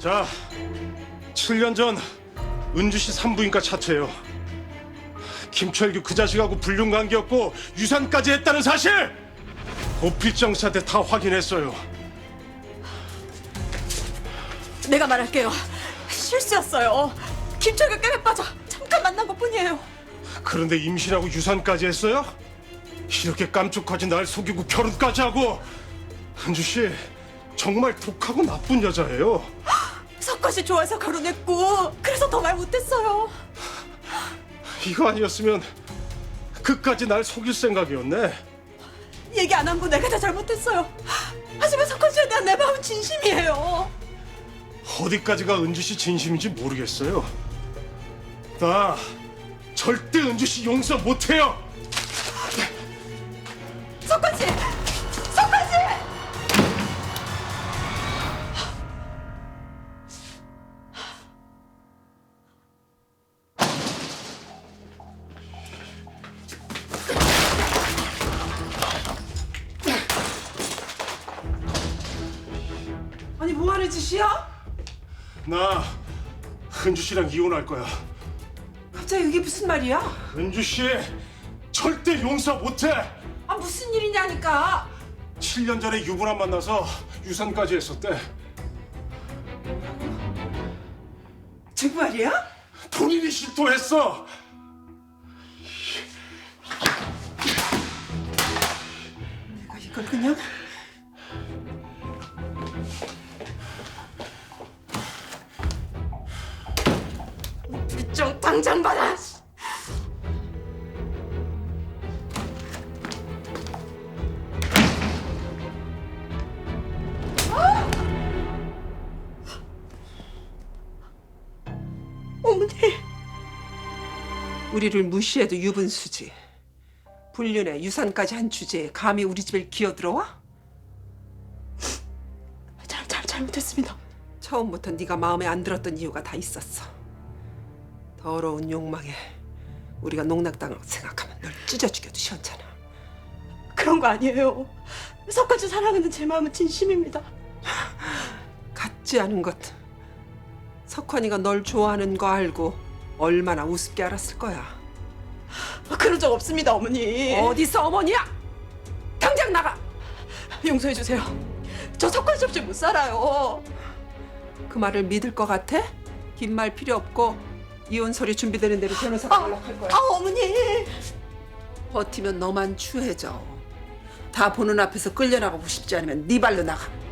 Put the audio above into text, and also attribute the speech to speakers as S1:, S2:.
S1: 자, 7년 전 은주시 산부인과 차트예요. 김철규 그 자식하고 불륜관계였고 유산까지 했다는 사실! 보필정사 때 다 확인했어요.
S2: 내가 말할게요. 실수였어요. 김철규 깨매 빠져 잠깐 만난 것뿐이에요.
S1: 그런데 임신하고 유산까지 했어요? 이렇게 깜짝하지 날 속이고 결혼까지 하고. 은주씨 정말 독하고 나쁜 여자예요.
S2: 석화 씨 좋아해서 결혼했고 그래서 더 말 못했어요.
S1: 이거 아니었으면 그까지 날 속일 생각이었네.
S2: 얘기 안 한 거 내가 다 잘못했어요. 하지만 석화 씨에 대한 내 마음은 진심이에요.
S1: 어디까지가 은주씨 진심인지 모르겠어요. 나 절대 은주씨 용서 못해요.
S2: 석화 씨! 석화 씨!
S3: 아니 뭐 하는 짓이야?
S1: 나 은주씨랑 이혼할 거야.
S3: 갑자기 이게 무슨 말이야?
S1: 은주씨 절대 용서 못해.
S3: 아 무슨 일이냐니까.
S1: 7년 전에 유부남 만나서 유산까지 했었대.
S3: 정말이야?
S1: 본인이 실토했어.
S3: 내가 이걸 그냥
S2: 좀 당장 받아. 어머니.
S3: 우리를 무시해도 유분수지. 불륜에 유산까지 한 주제에 감히 우리 집에 기어들어와?
S2: 잘못했습니다.
S3: 처음부터 네가 마음에 안 들었던 이유가 다 있었어. 더러운 욕망에 우리가 농락당하고 생각하면 널 찢어 죽여도 시원찮아.
S2: 그런 거 아니에요. 석화 씨 사랑하는 제 마음은 진심입니다.
S3: 같지 않은 것. 석환이가 널 좋아하는 거 알고 얼마나 우습게 알았을 거야.
S2: 그런 적 없습니다, 어머니.
S3: 어디서 어머니야? 당장 나가!
S2: 용서해 주세요. 저 석화 씨 없이 못 살아요.
S3: 그 말을 믿을 것 같아? 긴 말 필요 없고 이혼 서류 준비되는 대로 변호사가 연락할 거야.
S2: 어머니.
S3: 버티면 너만 추해져. 다 보는 앞에서 끌려나가고 싶지 않으면 네 발로 나가.